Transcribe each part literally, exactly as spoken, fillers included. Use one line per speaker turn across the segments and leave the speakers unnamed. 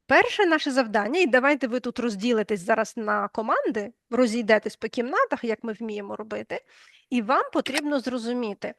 перше наше завдання, і давайте ви тут розділитесь зараз на команди, розійдетесь по кімнатах, як ми вміємо робити, і вам потрібно зрозуміти,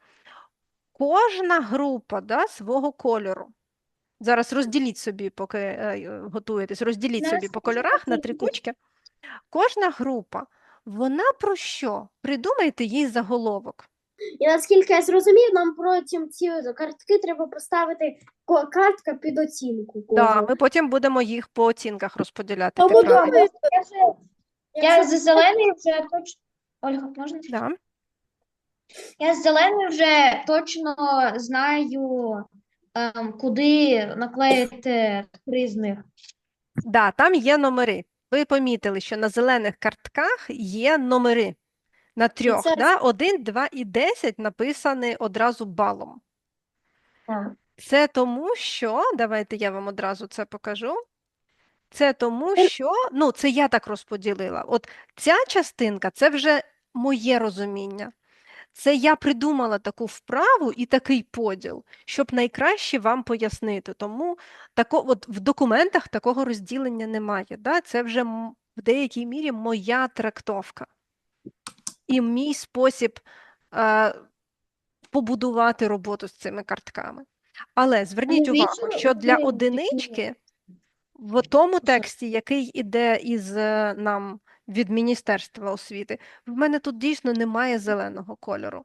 кожна група, да, свого кольору. Зараз розділіть собі, поки е, готуєтесь, розділіть собі по кольорах на три кучки. Кожна група, вона про що? Придумайте їй заголовок.
І наскільки я зрозумів, нам потім ці картки треба поставити ко- картка під оцінку.
Да,
кожну.
ми потім будемо їх по оцінках розподіляти. ти
Тому
правильно.
думаю,
Я з зеленою вже точно. Ольга, можна?
Да.
Я з зеленою вже точно знаю, ем, куди наклеїти три з них.
Да, там є номери. Ви помітили, що на зелених картках є номери на трьох.
це-
Да? Один, два і десять написані одразу балом.
Так.
Це тому, що, давайте я вам одразу це покажу. Це тому, що, ну, це я так розподілила. От ця частинка, це вже моє розуміння. Це я придумала таку вправу і такий поділ, щоб найкраще вам пояснити. Тому тако, от в документах такого розділення немає. Да? Це вже м- в деякій мірі моя трактовка і мій спосіб е, побудувати роботу з цими картками. Але зверніть
Ну,
увагу,
вічно
що для
ви
одинички в тому тексті, який іде із е, нам від Міністерства освіти, в мене тут дійсно немає зеленого кольору.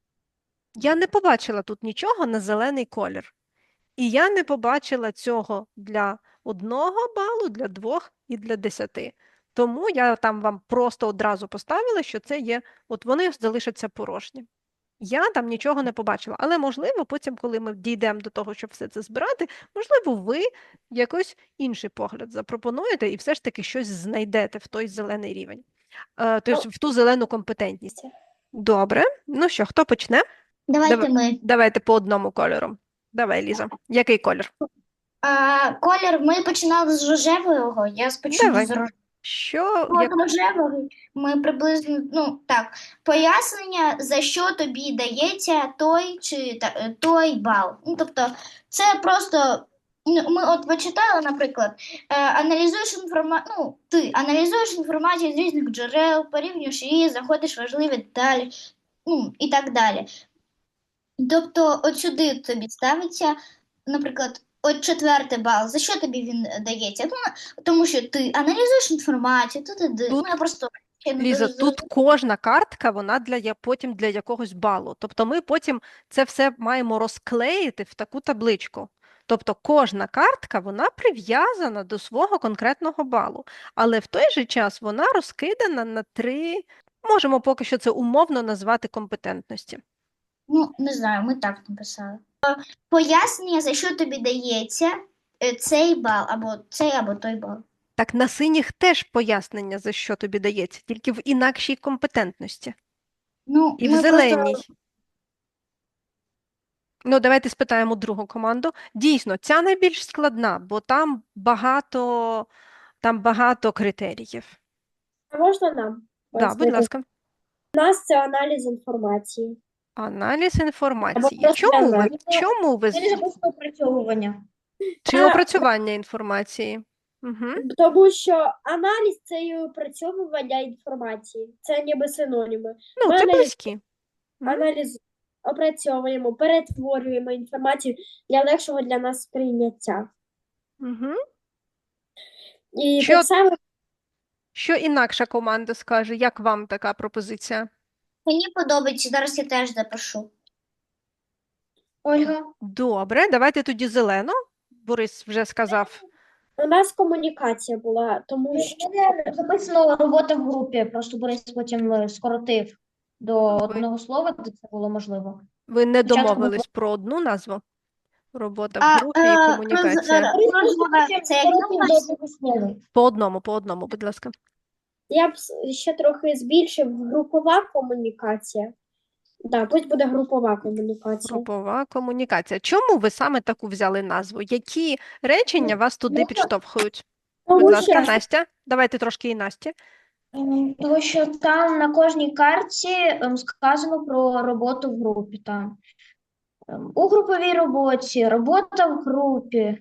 Я не побачила тут нічого на зелений колір. І я не побачила цього для одного балу, для двох і для десяти. Тому я там вам просто одразу поставила, що це є, от вони залишаться порожні. Я там нічого не побачила, але можливо, потім, коли ми дійдемо до того, щоб все це збирати, можливо, ви якось інший погляд запропонуєте і все ж таки щось знайдете в той зелений рівень, е, тобто в ту зелену компетентність. Добре, ну що, хто почне?
Давайте
Давай.
ми.
Давайте по одному кольору. Давай, Ліза. Який колір?
А, колір ми починали з рожевого. Я спочатку
Давай.
з рожевого.
Що?
От
Як...
рожевий ми приблизно, ну так, пояснення, за що тобі дається той чи та, той бал. Ну, тобто, це просто, ну, ми от почитали, наприклад, е, аналізуєш інформацію, ну, ти аналізуєш інформацію з різних джерел, порівнюєш її, знаходиш важливі деталі, ну, і так далі. Тобто, от сюди тобі ставиться, наприклад, от четвертий бал. За що тобі він дається? Ну, тому що ти аналізуєш інформацію, тут, тут,
Тут,
ну, я просто ще не
Ліза,
дуже
тут кожна картка, вона для я- потім для якогось балу. Тобто ми потім це все маємо розклеїти в таку табличку. Тобто кожна картка, вона прив'язана до свого конкретного балу. Але в той же час вона розкидана на три, можемо поки що це умовно назвати компетентності.
Ну, не знаю, ми так написали. Е, Пояснення, за що тобі дається е, цей бал, або цей, або той бал.
Так на синіх теж пояснення, за що тобі дається, тільки в інакшій компетентності.
Ну,
І в
ми
зеленій.
просто
Ну, давайте спитаємо другу команду. Дійсно, ця найбільш складна, бо там багато, там багато критеріїв.
А можна нам?
Да, будь
пояснити?
ласка.
У нас це аналіз інформації.
Аналіз інформації.
просто
Чому ви,
аналіз.
чому ви,
це просто опрацьовування.
чи
А,
опрацювання інформації? Угу.
Тому що аналіз це і опрацьовування інформації. Це ніби синоніми.
Ну,
Ми
це
аналіз-
близькі. Мгм.
Аналіз опрацьовуємо, перетворюємо інформацію для легшого для нас сприйняття.
Угу.
І
Що-
так само
Що інакша команда скаже? Як вам така пропозиція?
Мені подобається, зараз я теж запишу. Ольга?
Добре, давайте тоді зелену. Борис вже сказав.
у нас комунікація була, тому що
мене записано робота в групі, просто Борис потім е, скоротив до одного слова, де це було можливо.
Ви не
Спочатку
домовились про одну назву? Робота в
А,
групі
е,
і
роз-
комунікація.
е, розмова це як називається?
По одному, по одному, будь ласка.
я б с- ще трохи збільшив групова комунікація. Так, пусть буде групова комунікація.
Групова комунікація. Чому ви саме таку взяли назву? Які речення вас туди
Ну,
підштовхують? Будь
Тому
ласка,
що
Настя. Давайте трошки і Насті.
Ем, Тому що там на кожній картці ем, сказано про роботу в групі. Там. Ем, У груповій роботі, робота в групі.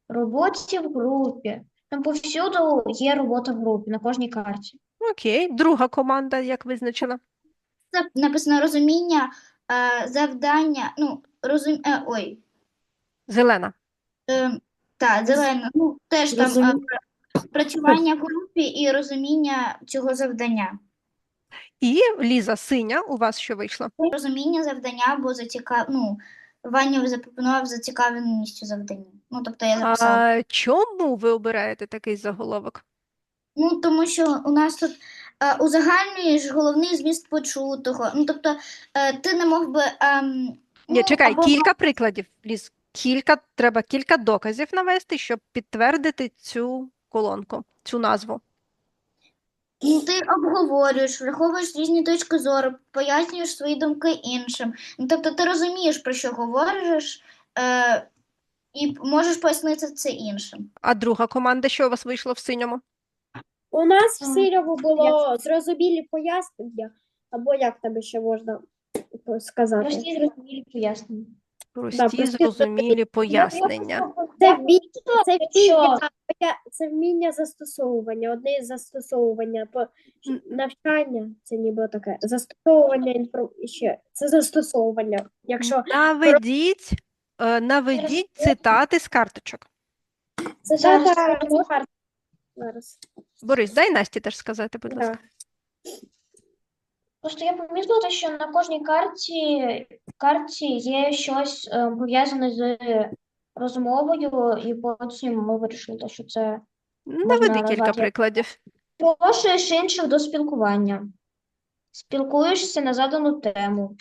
Роботі в групі. Там повсюду є робота в групі на кожній карті.
Окей. Друга команда, як визначила?
Це написано розуміння, е, завдання, ну, розум... е, ой,
Зелена.
е, та, зелена, ну, теж там е,
Розуміння.
працювання в групі і розуміння цього завдання.
І Ліза, синя, у вас що вийшло?
Розуміння завдання або зацікав... ну, Ваня запропонував зацікавленістю завдання. Ну, тобто я записала.
А чому ви обираєте такий заголовок?
Ну, тому що у нас тут е, узагальнюєш головний зміст почутого. Ну, тобто е, ти не мог би... ем,
Ні,
ну,
чекай,
або
кілька прикладів, Ліз. Кілька, треба кілька доказів навести, щоб підтвердити цю колонку, цю назву.
ну, ти обговорюєш, враховуєш різні точки зору, пояснюєш свої думки іншим. Ну, тобто ти розумієш, про що говориш, е, і можеш пояснити це іншим.
А друга команда, що у вас вийшло в синьому?
У нас в
Ага.
синьому було зрозумілі пояснення, або як тебе ще можна сказати?
Прості зрозумілі пояснення.
Прості,
прості,
зрозумілі пояснення.
Це вміння, це
Якщо-
вміння, це вміння застосовування, одне із застосовування, по
М.
навчання, це ніби таке, застосовування інформ... ще, це застосовування, якщо
Наведіть, е, наведіть цитати з карточок.
це
Зараз
дата,
скажу.
зараз,
Борис, дай Насті теж сказати, будь ласка.
да.
Просто я помітила, що на кожній карті, карті є щось е, пов'язане з розмовою, і потім ми вирішили, що це
Наведи кілька
назвати.
прикладів.
запрошуєш інших до спілкування, спілкуєшся на задану тему,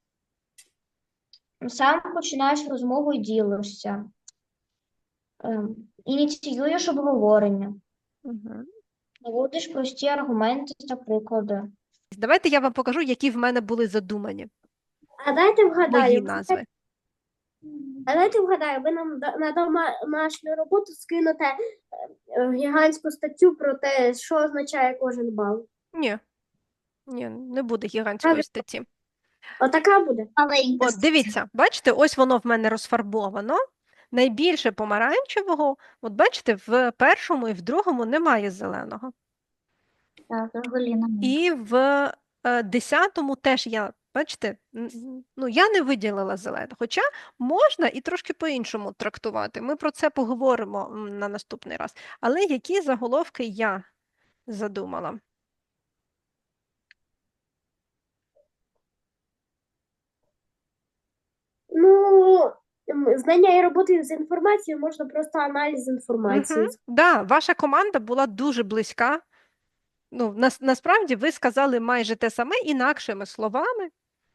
сам починаєш розмову і ділишся, ем, ініціюєш обговорення,
Мгм.
наводиш прості аргументи та приклади.
Давайте я вам покажу, які в мене були задумані
А дайте
мої
вгадаю,
назви.
а дайте вгадаю, ви нам да- на домашню роботу скинете е, е, гігантську статтю про те, що означає кожен бал.
Ні, ні, не буде гігантської
Правильно.
статті.
Отака буде.
Маленька.
От дивіться, бачите, ось воно в мене розфарбовано. Найбільше помаранчевого, от бачите, в першому і в другому немає зеленого.
Так, взагалі немає.
І в е, десятому теж я, бачите, н- н- ну я не виділила зелене. Хоча можна і трошки по-іншому трактувати. Ми про це поговоримо м, на наступний раз. Але які заголовки я задумала?
Ну, м, знання і роботи з інформацією можна просто аналіз інформації.
Мгм. Да, ваша команда була дуже близька. Ну, нас, насправді ви сказали майже те саме інакшими словами.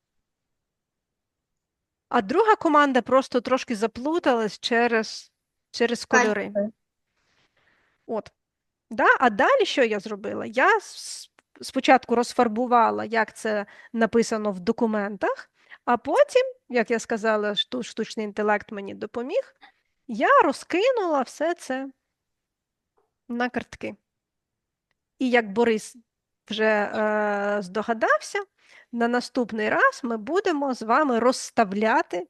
А друга команда просто трошки заплуталась через, через кольори. От. Да? А далі що я зробила? Я с- спочатку розфарбувала, як це написано в документах, а потім, як я сказала, шту- штучний інтелект мені допоміг, я розкинула все це на картки. І як Борис вже е, здогадався, на наступний раз ми будемо з вами розставляти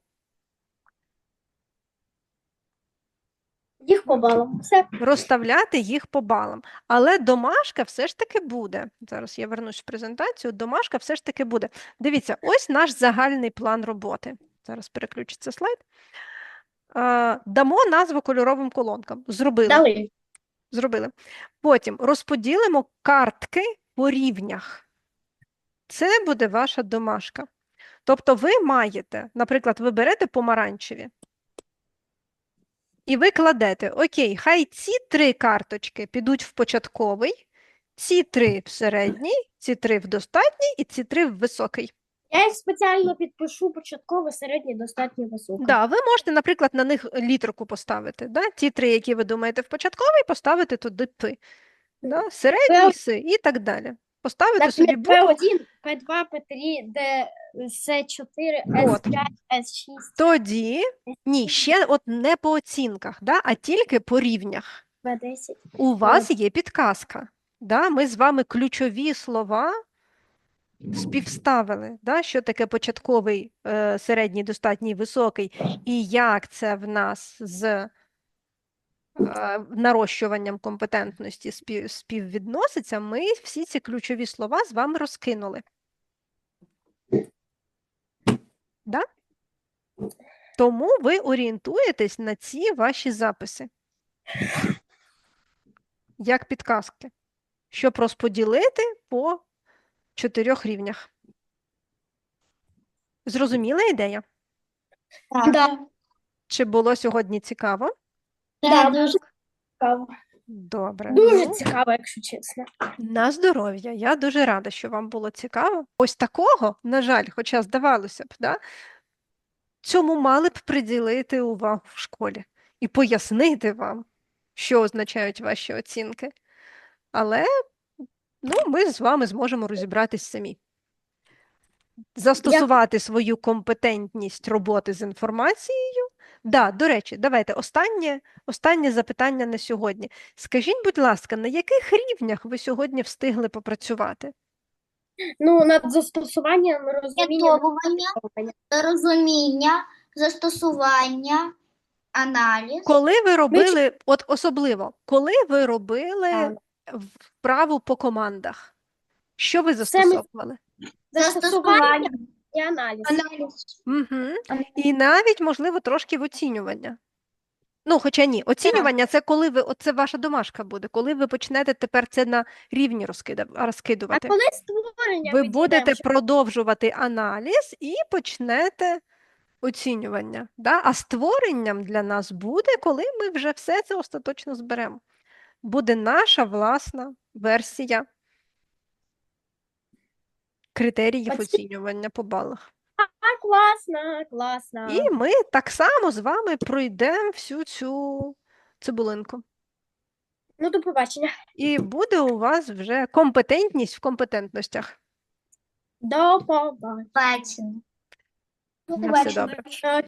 Їх по балам. Все.
розставляти їх по балам. Але домашка все ж таки буде. Зараз я вернусь в презентацію. Домашка все ж таки буде. Дивіться, ось наш загальний план роботи. Зараз переключиться слайд. Е, Дамо назву кольоровим колонкам. Зробили.
Дали.
Зробили. Потім розподілимо картки по рівнях. Це буде ваша домашка. Тобто ви маєте, наприклад, ви берете помаранчеві, і ви кладете, окей, хай ці три карточки підуть в початковий, ці три в середній, ці три в достатній і ці три в високий.
Я їх спеціально підпишу початково, середній, достатньо високий.
Да, ви можете, наприклад, на них літерку поставити. Да? Ті три, які ви думаєте в початковий, поставити туди пи. Да? Середній си і так далі. Поставити собі букву.
Пе один, Пе два, Пе три, Д, С чотири, С
От.
п'ять, С шість,
Тоді, ні, ще от не по оцінках, да, а тільки по рівнях.
Б десять.
У вас є підказка. Да? Ми з вами ключові слова співставили, да? Що таке початковий, е, середній, достатній, високий, і як це в нас з е, нарощуванням компетентності спів, співвідноситься, ми всі ці ключові слова з вами розкинули. Да? Тому ви орієнтуєтесь на ці ваші записи, як підказки, щоб розподілити по чотирьох рівнях. Зрозуміла ідея?
Так.
Да.
Чи було сьогодні цікаво?
Да, дуже цікаво.
Добре.
Дуже
Ну,
цікаво, якщо чесно.
на здоров'я. Я дуже рада, що вам було цікаво. Ось такого, на жаль, хоча здавалося б, да, цьому мали б приділити увагу в школі і пояснити вам, що означають ваші оцінки. Але ну, ми з вами зможемо розібратись самі. Застосувати свою компетентність роботи з інформацією. Да, до речі, давайте останнє, останнє запитання на сьогодні. Скажіть, будь ласка, на яких рівнях ви сьогодні встигли попрацювати?
Ну, над застосуванням розуміння.
Орієнтовування, розуміння, застосування, аналіз.
Коли ви робили, от особливо, коли ви робили
Так.
вправу по командах, що ви
Це ми-
застосовували?
Застосування і аналіз.
Аналіз.
Угу. І навіть, можливо, трошки в оцінювання. Ну, хоча ні, оцінювання це коли ви, оце ваша домашка буде, коли ви почнете тепер це на рівні розкида-
А
розкидувати.
коли створення
Ви
ми
будете
дійдемо, що-
продовжувати аналіз і почнете оцінювання. Да? А створенням для нас буде, коли ми вже все це остаточно зберемо. Буде наша власна версія критеріїв
Оці-
оцінювання по балах.
А, класно, класно.
І ми так само з вами пройдемо всю цю цибулинку.
Ну, до побачення.
І буде у вас вже компетентність в компетентностях.
До побачення.
Бачення.
На все добре.
Е,